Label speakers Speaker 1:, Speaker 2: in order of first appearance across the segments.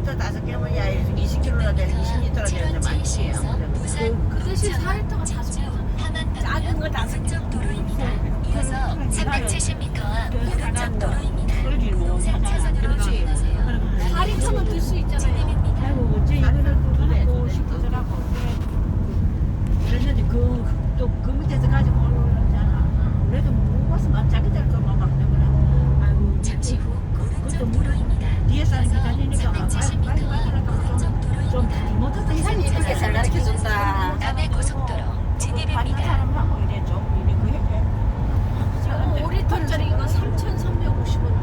Speaker 1: 리터 5개면 야 20kg나 돼 20리터나 되는데 많지.
Speaker 2: 그 대신 4리터가 5개. 작은 거 5개.
Speaker 3: 이어서 370m 앞 오른쪽 도로입니다.
Speaker 1: 그러지 뭐. 그렇지.
Speaker 2: 4리터는 들 수 있잖아요.
Speaker 4: 아이고 어째 이거를 하고 싶더라고. 그랬는데 그 밑에서 가지고 올라오잖아. 그래도 못 봤으면 자기들 것만 막 내거나. 아이고
Speaker 3: 잠시 후 오른쪽 도로입니다.
Speaker 4: 뒤에 사는 기다리니까 빨리
Speaker 3: 370m 앞 오른쪽 도로입니다.
Speaker 4: 좀 잘못했다
Speaker 2: 사장님 이렇게 잘 가르쳐준다.
Speaker 3: 남해 고속도로
Speaker 4: 받는
Speaker 3: 진입입니다.
Speaker 4: 사람하고 이래 좀 이래 그 해.
Speaker 2: 5리터짜리 이거 3,350원.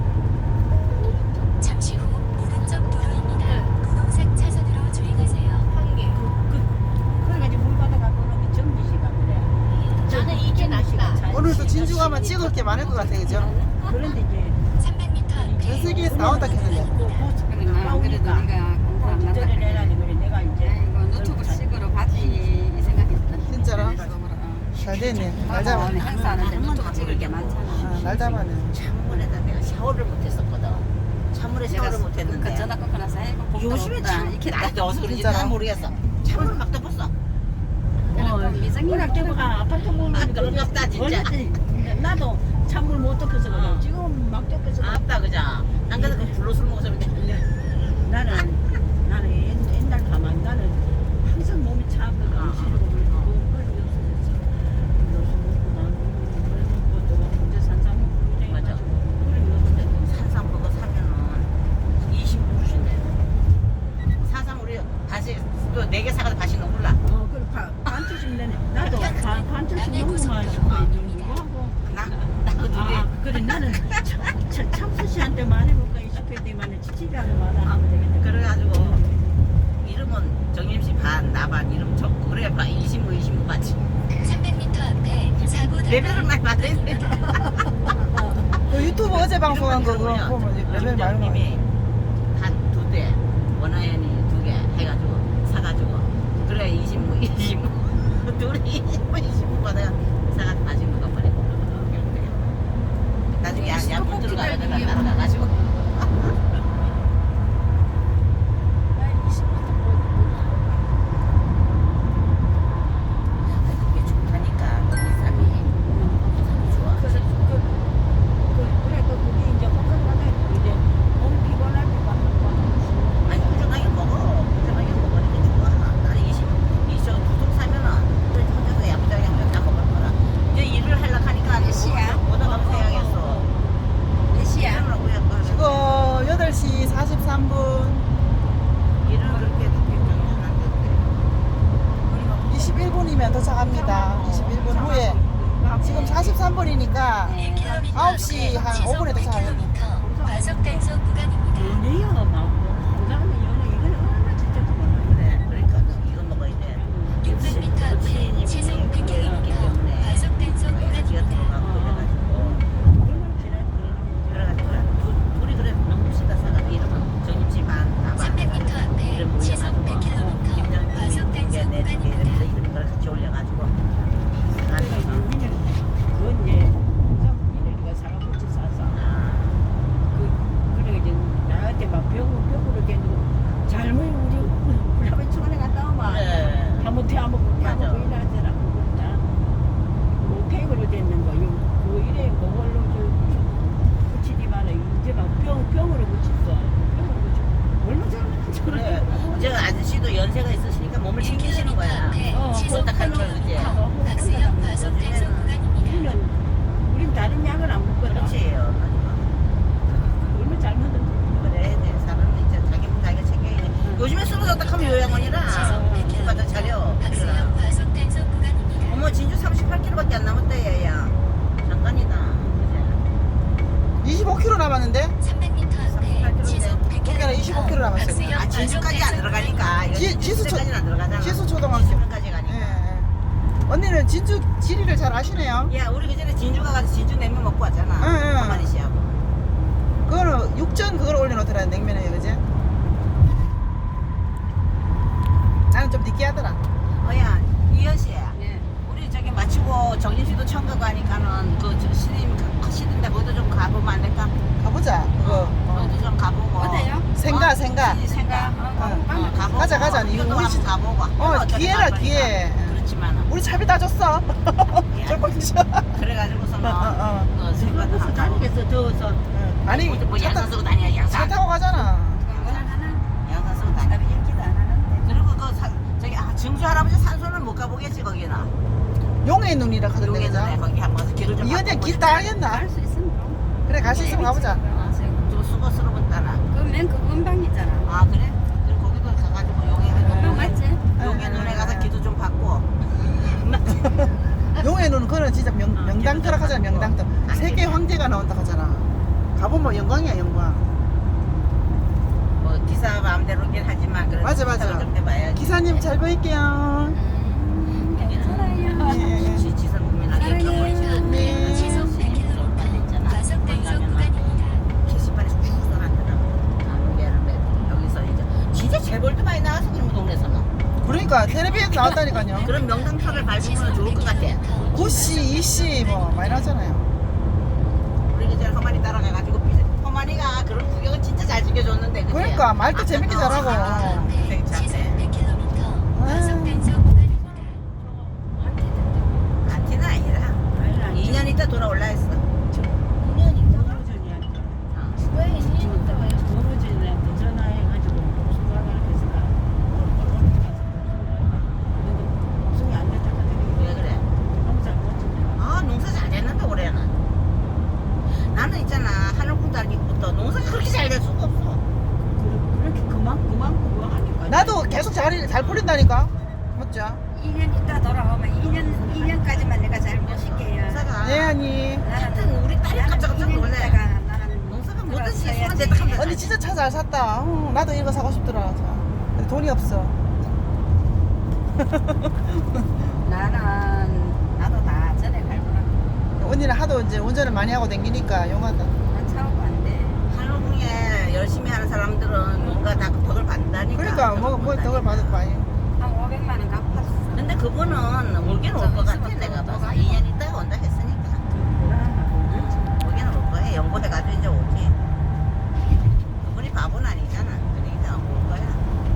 Speaker 3: 잠시 후 오른쪽 도로입니다. 분홍색 차선으로 주행하세요.
Speaker 2: 한 개.
Speaker 4: 그래가지고 물 받아가고 오는 게 정지시가 그래.
Speaker 2: 나는 이게 낫다.
Speaker 5: 오늘도 진주 가면 찍을 게 많을 것 같아, 그죠?
Speaker 4: 그런데 이제
Speaker 3: 300m 앞에
Speaker 5: 전 세계에서 나온다 했는데.
Speaker 4: 그러니까 그래도 네가 컴퓨터를 내라니 그래 내가 이제
Speaker 6: 이거 노트북 식으로 봐지 이 생각했다.
Speaker 5: 진짜로? 잘 됐네. 날 잡았네.
Speaker 6: 행사하는데 노트북 찍을 게 많잖아.
Speaker 5: 아, 날 잡았네.
Speaker 1: 찬물에다 내가 샤워를 못했었거든. 찬물에 샤워를 못했는데.
Speaker 6: 그 전화 끊고 나서 아이고 복도
Speaker 1: 요즘에
Speaker 6: 없다.
Speaker 1: 참
Speaker 6: 이렇게
Speaker 1: 나한테 어서 그런지
Speaker 5: 진짜로?
Speaker 1: 난 모르겠어. 찬물 막 덮었어.
Speaker 4: 워낙 때가 아파트 보면
Speaker 1: 아, 그런갑다, 진짜.
Speaker 4: 나도 찬물 못 덮어서 그래.
Speaker 1: 어.
Speaker 4: 지금 막 덮어서 그래.
Speaker 1: 아따 그자. 난 그래서 그 불로 술 먹어서 그런데.
Speaker 4: 나는 옛날 가만 나는 항상 몸이 차거든. 시주고 그러고 그걸 없어졌어. 요즘 먹고 나는 그것도 이제 산삼 먹고 이래
Speaker 1: 맞아.
Speaker 4: 가지고 그걸 없어졌어.
Speaker 1: 산삼 그거 사면은 20불이신데. 산삼 우리 다시 또 4개 사가서 다시 넣을라.
Speaker 4: 그래 반투씩 내네. 나도 반투씩 너무만 싶어 이거 하고.
Speaker 1: 나그 두 개.
Speaker 4: 그래 나는 참수 씨한테 말해볼까 싶었더니만 지치라는 말 하면 되겠다.
Speaker 1: 그래가지고 이름은 정임씨 반, 나 반 이름 적고 그래 봐 25 받지.
Speaker 3: 300m 앞에 사고
Speaker 1: 레벨을 많이 받아야 돼.
Speaker 5: 그 유튜브 어제 방송한 거 그거 보면 레벨 많이 나와.
Speaker 1: 님이 한 2대, 원하연이 2개 해가지고 사가지고 그래 25 둘이 25 받아야 사가 다시 먹어버려. 나중에 양푼 들어가야 되나 따라가가지고. 그게 좋다니까 이 쌈이 좋아.
Speaker 4: 그래 또 그게 이제 건강하다 이제 몸 피곤할 때 받는 거.
Speaker 1: 아니 꾸준하게 먹어. 꾸준하게 먹으니까 좋아. 나는 2종 사면은 그래 혼자서 야무지게 그냥 다 먹을 거라. 이제 일을 하려고 하니까
Speaker 6: 몇 시야?
Speaker 1: 오다가 생각했어.
Speaker 6: 몇 시야?
Speaker 5: 지금 8시 43분.
Speaker 1: 일을 그렇게 하는데
Speaker 5: 21분이면 도착합니다. 21분 후에. 지금 43분이니까 9시 한 5분에 도착합니다.
Speaker 3: 과속 단속 구간입니다.
Speaker 4: 연애요 막 건강하면 연애 이거는 얼마나 진짜 좋아.
Speaker 1: 그래. 그러니까 이거 먹어야 돼.
Speaker 3: 600m 앞에 시속 100km 과속 단속 구간입니다.
Speaker 1: 둘이 그래 너무 비싸다 사가 이름은 정임씨 반, 나 반.
Speaker 3: 300m 앞에
Speaker 1: 이름
Speaker 3: 시속
Speaker 1: 올려가지고
Speaker 3: 100km 과속 단속
Speaker 1: 내
Speaker 3: 구간입니다.
Speaker 1: 이름 걸 같이 올려가지고
Speaker 4: 그건 이제 민혁이가 사과부터 사서 그래 이제 나한테 막 벽으로 대고 잘못 우리 한번 초반에 갔다 오면
Speaker 1: 그래.
Speaker 4: 한번 태워먹고
Speaker 1: 맞아.
Speaker 4: 일하더라 그거다 뭐 팩으로 됐는 거 그거 이래 그걸로 붙이지만은 이제 막 병으로 붙였어 병으로 붙여 얼마 잘못한
Speaker 1: 그래. 이제 아저씨도 연세가 있으시니까 몸을 챙기시는 거야.
Speaker 3: 시속
Speaker 1: 딱한 걸 이제.
Speaker 3: 박수형 과속 단속 구간입니다.
Speaker 4: 우린 다른 약을 안 먹거든
Speaker 1: 그렇지.
Speaker 4: 얼마 잘못했는지
Speaker 1: 그래, 내 사람은 이제 자기 몸 자기가 챙겨야 돼. 요즘에 쓰러졌다 하면 요양원이라 맞아 차려.
Speaker 3: 박수형 과속 단속 구간입니다.
Speaker 1: 어머 진주 38km밖에 안 남았다 얘야. 잠깐이다. 그제?
Speaker 5: 25km 남았는데?
Speaker 3: 300m 앞에 시속
Speaker 5: 거기는 25km 남았어요.
Speaker 3: 박수형
Speaker 1: 아 진주까지 안 들어가니까. 진주까지는 안 들어가잖아.
Speaker 5: 지수 초등학교.
Speaker 1: 진주까지
Speaker 5: 예.
Speaker 1: 가니까.
Speaker 5: 예. 언니는 진주 지리를 잘 아시네요.
Speaker 1: 야 우리 그 전에 진주 가서 진주 냉면 먹고 왔잖아.
Speaker 5: 응, 응.
Speaker 1: 가만히 씨하고.
Speaker 5: 그거는 육전 그걸 올려놓더라 냉면에 그지? 나는 좀 느끼하더라.
Speaker 1: 어야 이현 씨.
Speaker 6: 네.
Speaker 1: 우리 저기 마치고 정진씨도 처음 가고 하니까는 그 스님 시든데 거기도 좀 가보면 안 될까?
Speaker 5: 가보자. 그거.
Speaker 1: 거기도 좀 가보고.
Speaker 6: 어때요?
Speaker 5: 생가 생가.
Speaker 6: 생각.
Speaker 1: 가보고.
Speaker 5: 가자, 가자.
Speaker 1: 이거
Speaker 5: 우리
Speaker 1: 한번
Speaker 5: 진짜-
Speaker 1: 가보고.
Speaker 5: 기회라 기회.
Speaker 1: 그렇지만
Speaker 5: 우리 차비 다 줬어. 조금씩.
Speaker 1: 그래가지고서는
Speaker 5: 어.
Speaker 1: 생각도
Speaker 4: 그래서
Speaker 1: 하고.
Speaker 4: 다니겠어 더워서.
Speaker 5: 아니
Speaker 1: 뭐
Speaker 5: 차,
Speaker 1: 양산 쓰고 다녀
Speaker 5: 차
Speaker 1: 양산.
Speaker 5: 타고 가잖아.
Speaker 1: 양산 쓰고 다녀. 그리고 저기 증수 할아버지 산소는 못 가보겠지 거기는.
Speaker 5: 용의 눈이라 하던데
Speaker 1: 용의
Speaker 5: 그죠?
Speaker 1: 눈에 거기 한번 가서 길을 좀.
Speaker 5: 이현이
Speaker 1: 바꿔보고
Speaker 5: 길 다 하겠나?
Speaker 6: 할수 있으면 그럼.
Speaker 5: 그래 갈 수 있으면 가보자.
Speaker 1: 좀 수고스러운 따나.
Speaker 6: 그맨 그 금방이잖아.
Speaker 1: 아 그래? 그럼 거기도 가가지고 용의
Speaker 6: 금방 맞지?
Speaker 1: 용의 눈에 가서 기도 좀 받고.
Speaker 5: 용의 눈은 그거는 진짜 명당터라 하잖아. 명당터. 세계 황제가 나온다 하잖아. 가보면 영광이야 영광.
Speaker 1: 뭐 기사 마음대로긴 하지만 그래도
Speaker 5: 맞아, 맞아.
Speaker 1: 부탁을 좀 해봐야지.
Speaker 5: 기사님 잘 보일게요. 네.
Speaker 1: 지선 국민학교 경월지도
Speaker 5: 네.
Speaker 3: 시속 100km 과속 단속 구간입니다.
Speaker 1: 게시판에서 쭉 써놨더라고. 여기서 이제 진짜 재벌도 많이 나와서 그런 동네에서는.
Speaker 5: 그러니까 텔레비에서 나왔다니까요.
Speaker 1: 그런 명당터를 밟으면 좋을 것 같아.
Speaker 5: 구씨, 이씨 뭐 많이 나오잖아요.
Speaker 1: 우리 그저 허만이 따라가가지고 허만이가 그런 구경은 진짜 잘 지켜줬는데. 그치?
Speaker 5: 그러니까 말도 재밌게 잘하고.
Speaker 1: 되게
Speaker 3: 시속
Speaker 1: 잘해.
Speaker 3: 100km
Speaker 5: 아.
Speaker 3: 과속 단속 구간입니다.
Speaker 1: 안티는 아니라 2년 있다 돌아올라 했어.
Speaker 4: 2년 있다 노무전이야.
Speaker 2: 왜 2년 있다 와요?
Speaker 4: 노무전한테 전화해가지고 복수하라 했으니까 복수가 안 됐다 하더니
Speaker 1: 왜 그래?
Speaker 4: 농사 못 짓네.
Speaker 1: 아 농사 잘 됐는데 올해는. 나는 있잖아 하늘궁 달기부터 농사가 그렇게 잘 될 수가 없어.
Speaker 4: 그렇게 그만큼 그거 하니까.
Speaker 5: 나도 계속 잘 풀린다니까. 맞죠?
Speaker 6: 2년 있다 돌아오면 2년까지만 내가 잘 모실게요.
Speaker 1: 농사가.
Speaker 5: 예 언니.
Speaker 1: 하여튼 우리 딸이 깜짝깜짝 놀래.
Speaker 6: 나는
Speaker 1: 농사가 뭐든지
Speaker 6: 들어서야지.
Speaker 1: 손안 대다 하면
Speaker 5: 언니 진짜 차 잘 샀다. 나도 이거 사고 싶더라. 근데 돈이 없어.
Speaker 6: 나도 다 전에 갈 거라.
Speaker 5: 언니는 하도 이제 운전을 많이 하고 다니니까 용하다.
Speaker 6: 난 차오고 안 돼.
Speaker 1: 하늘궁에 열심히 하는 사람들은 뭔가 다 덕을 받는다니까.
Speaker 5: 그러니까 뭐 덕을 받을 거 아니야.
Speaker 6: 한 500만 원 갚았어.
Speaker 1: 근데 그분은 올긴 올 것 같아 내가 봐서 2년 있다가 온다 했으니까. 오긴 올 거야. 연구해가지고 이제 오지. 그분이 바보는 아니잖아. 그러니까 올 거야.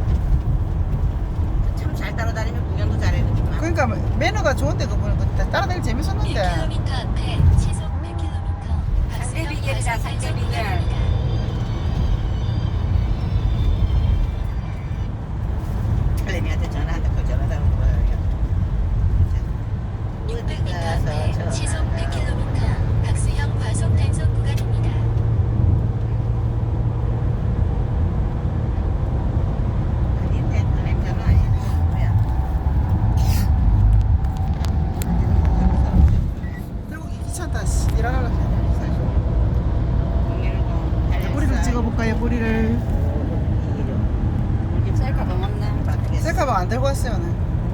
Speaker 1: 참 잘 따라다니면 구경도 잘해주지만.
Speaker 5: 그러니까 매너가 좋은데 그분은 그때 따라다니기 재밌었는데.
Speaker 3: 1km 앞에 시속 100km
Speaker 6: 상대 비결이다, 상대 비결.
Speaker 1: 할래미한테 전화한다. 그 전화다. 뭐야.
Speaker 3: 600m 앞에 시속 100km 박수형 과속 단속 구간입니다.
Speaker 1: 아닌데 할래미는 아니야. 뭐야.
Speaker 5: 들고 귀찮다. 씨. 일어나려. 뿌리를 찍어볼까요? 뿌리를.
Speaker 6: 셀카 뭐 먹나?
Speaker 5: 셀카봉 안 들고 왔어요 오늘.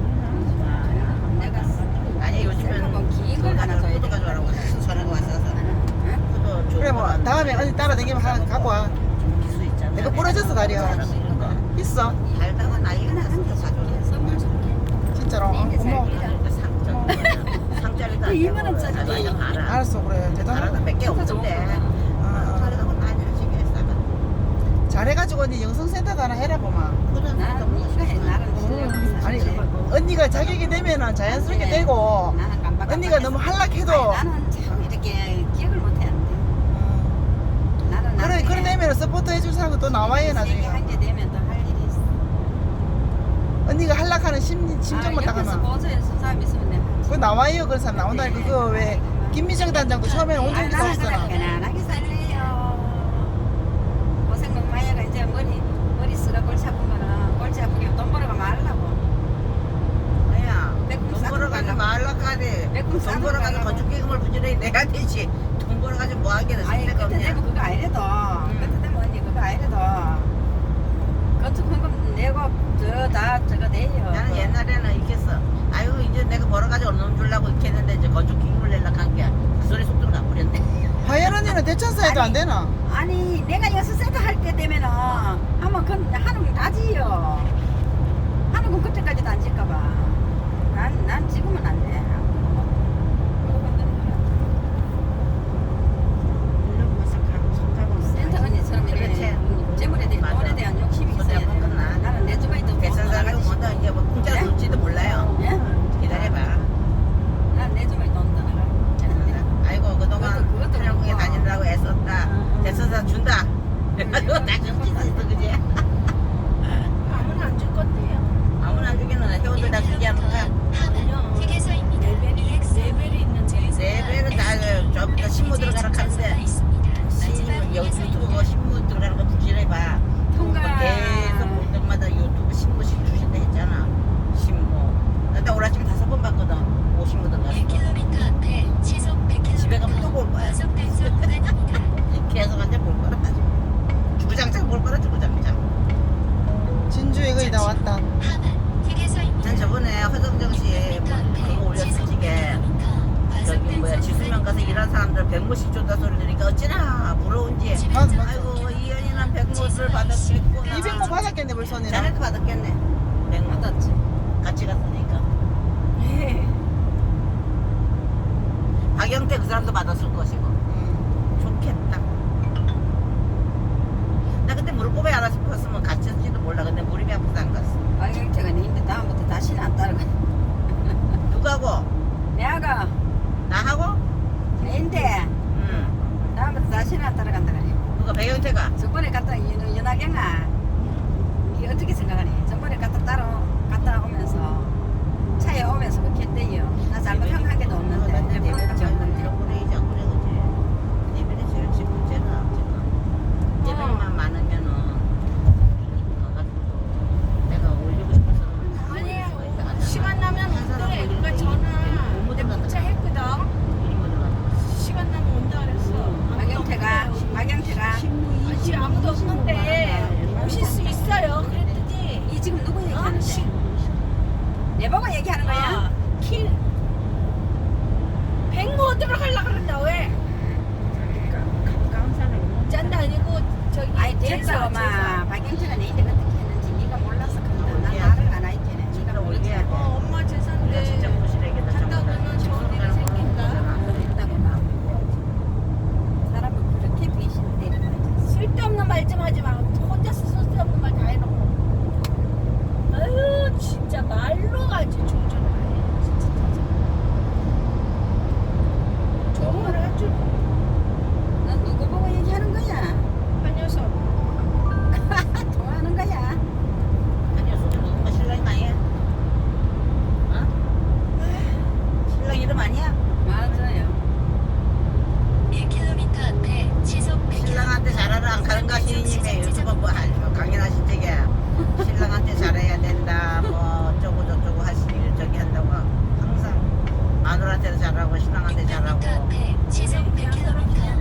Speaker 6: 내가
Speaker 1: 아니 요즘은
Speaker 6: 긴 걸 하나 더 해야
Speaker 1: 포도 가져가라고 전화가 왔어서 포도
Speaker 5: 그래 뭐 다음에 언니 따라다니면 하나 갖고 와.
Speaker 1: 기수 있잖아.
Speaker 5: 내가 부러졌어 다리가. 있어.
Speaker 1: 달다가 나이가 나서 가져오래.
Speaker 6: 선물 줄게.
Speaker 5: 진짜로. 고마워.
Speaker 1: 상자리도 안
Speaker 6: 2만 원짜리.
Speaker 1: 되고 알아.
Speaker 5: 알았어 그래
Speaker 1: 알아도
Speaker 5: 대단하다.
Speaker 1: 몇개 없는데 상자리다고 나중에 싸가.
Speaker 5: 잘해가지고 언니 영성센터도 하나 해라 보마.
Speaker 6: 나는 네가 해. 나는 실력
Speaker 5: 아니 언니가 자격이 되면은 자연스럽게 되고
Speaker 6: 나는 깜빡
Speaker 5: 언니가 너무 한락해도
Speaker 6: 나는 참 이렇게 기억을 못해 안 돼. 나는
Speaker 5: 그래 그래 되면 서포트 해줄 사람도 또 나와야 나중에.
Speaker 6: 한게 되면 더 할 일이 있어.
Speaker 5: 언니가 한락하는 심정만 딱
Speaker 6: 옆에서
Speaker 5: 하면
Speaker 6: 보조해서 사람 있으면 내가 하지.
Speaker 5: 그거 나와요 그런 사람 나온다니까. 그거 왜 김미정 단장도 처음에는 온전히도
Speaker 6: 나는
Speaker 5: 없었잖아.
Speaker 6: 그냥 편안하게 살래요. 고생 너무 많이 해가 이제 머리 쓰라 골치 아프면은 골치 아프게 돈 벌어가 말라고.
Speaker 1: 뭐야?
Speaker 6: 매콤
Speaker 1: 돈
Speaker 6: 싸고
Speaker 1: 벌어가지고
Speaker 6: 가려고.
Speaker 1: 말라카네.
Speaker 6: 매콤
Speaker 1: 돈
Speaker 6: 싸고
Speaker 1: 벌어가지고
Speaker 6: 가려고.
Speaker 1: 건축기금을 부지런히 내야 되지. 돈 벌어가지고 뭐 하겠어?
Speaker 6: 아니
Speaker 1: 쓸데가
Speaker 6: 그때
Speaker 1: 없냐?
Speaker 6: 되면 그거 아니래도 그때 되면 언니 그거 아니래도 건축헌금 내고 저거 내요.
Speaker 1: 나는 옛날에는 이랬어. 아유 이제 내가 벌어가지고 얼마 주려고 이렇게 했는데 이제 건축기금을 내려고 한 게 그 소리 속도로 가버렸네.
Speaker 5: 하연 언니는 대천사에도 안 되나?
Speaker 6: 아니 내가 여섯 세트 할 때 되면은 아마 하는 건 다지요. 하는 건 그때까지도 안 질까봐. 난 지금은 안 돼. 센터 언니처럼 이렇게
Speaker 1: 그렇지.
Speaker 6: 재물에 대해
Speaker 1: 맞아.
Speaker 6: 돈에
Speaker 1: 다 줄수 있어, 그지?
Speaker 2: 아무나 안 줄 건데요.
Speaker 1: 아무나 안 주기는 회원들 다 주지 않을까?
Speaker 3: 하만 휴게소입니다.
Speaker 2: 레벨이 있는데.
Speaker 1: 레벨은 다 저부터 신문 들어가라 하는데 신문 여기 유튜브 그거 신문 들어가는 거 부실해봐.
Speaker 6: 통과.
Speaker 1: 계속 볼 때마다 유튜브 신문씩 주신다 했잖아. 신문. 나 오늘 아침에 5번 봤거든. 50분 들어갔어.
Speaker 3: 1km 앞에 시속 100km
Speaker 1: 집에 가면 또 볼 거야.
Speaker 3: 과속 단속 구간입니다.
Speaker 1: 계속 한테 볼 거라. 주구장창 볼 거라 주구장창.
Speaker 5: 진주에 거의 다 왔다.
Speaker 3: 하만 휴게소입니다.
Speaker 1: 난 저번에 허정정 씨 그거 올렸을 적에 저기 뭐야 지수명 가서 일한 사람들 100모씩 줬다 소리 들으니까 어찌나 부러운지.
Speaker 5: 맞아.
Speaker 1: 아이고 이연이는 100모를 받았겠구나.
Speaker 5: 200모 받았겠네 벌써 언니랑.
Speaker 1: 자네도 받았겠네. 100모 받았지. 같이 갔으니까. 박영태 그 사람도 받았을 것이고. 좋겠다. 나 그때 무릎 꼽아야 알아 싶었으면 같이 했을지도 몰라. 근데 무릎이 아파서 안 갔어.
Speaker 6: 박영태가 니인데 다음부터 다시는 안 따라가.
Speaker 1: 누가고?
Speaker 6: 내가
Speaker 1: 나하고?
Speaker 6: 니인데
Speaker 1: 응.
Speaker 6: 다음부터 다시는 안 따라간다 그래.
Speaker 1: 누가 백영태가?
Speaker 6: 저번에 갔다 연하경아 이게 어떻게 생각하니? 저번에 갔다 오면서 차에 오면서 그렇게 했대요. 나 잘못한 한 개도 없는데 내가 잘못했는데.
Speaker 1: 예배만 많으면은 내가 올리고 싶어서
Speaker 2: 아니 시간 나면 온대. 그러니까 저는 내 문자 했거든. 시간 나면 온다 그랬어.
Speaker 6: 박영태가
Speaker 2: 아직 아무도 없는데 오실 수 있어요. 그랬더니
Speaker 6: 이 지금 누구 얘기하는데? 내 보고 얘기하는 거야?
Speaker 2: 킬 100모 들어가려고 그런다 왜?
Speaker 4: 가까운 사람이
Speaker 2: 짠도 아니고 저기
Speaker 6: 아이 됐어
Speaker 2: 제사,
Speaker 6: 마 박영태가 내인데 어떻게 했는지 네가 몰라서 그런다. 난 말을 안 하겠네. 네가 모르지.
Speaker 1: 올려야 돼.
Speaker 2: 엄마
Speaker 1: 우리가
Speaker 2: 제사인데
Speaker 1: 진짜 부실하게
Speaker 2: 갔다 오면은 좋은 일이 생긴다.
Speaker 6: 그랬다고 막 사람을 그렇게 배신을 때리는
Speaker 2: 쓸데없는 말 좀 하지 마. 혼자서 쓸데없는 말 다 해놓고. 아유 진짜 말로 아주 조절을 해. 진짜. 좋은 말을 할 줄.
Speaker 6: 넌 누구 보고 얘기하는 거야?
Speaker 2: 한 녀석.
Speaker 6: 통화하는 거야?
Speaker 1: 아니요, 소리 누군가 신랑 아니야? 어? 신랑 이름 아니야?
Speaker 6: 맞아요.
Speaker 3: 1km 앞에 시속 100km
Speaker 1: 신랑한테 잘하라 안 가는가 시인님의 유튜브 뭐 강연하신 적에 신랑한테 잘해야 된다 뭐 어쩌고 저쩌고 하시길 저기 한다고 항상 마누라한테도 잘하고 신랑한테
Speaker 3: 100km
Speaker 1: 잘하고
Speaker 3: 앞에 시속 100km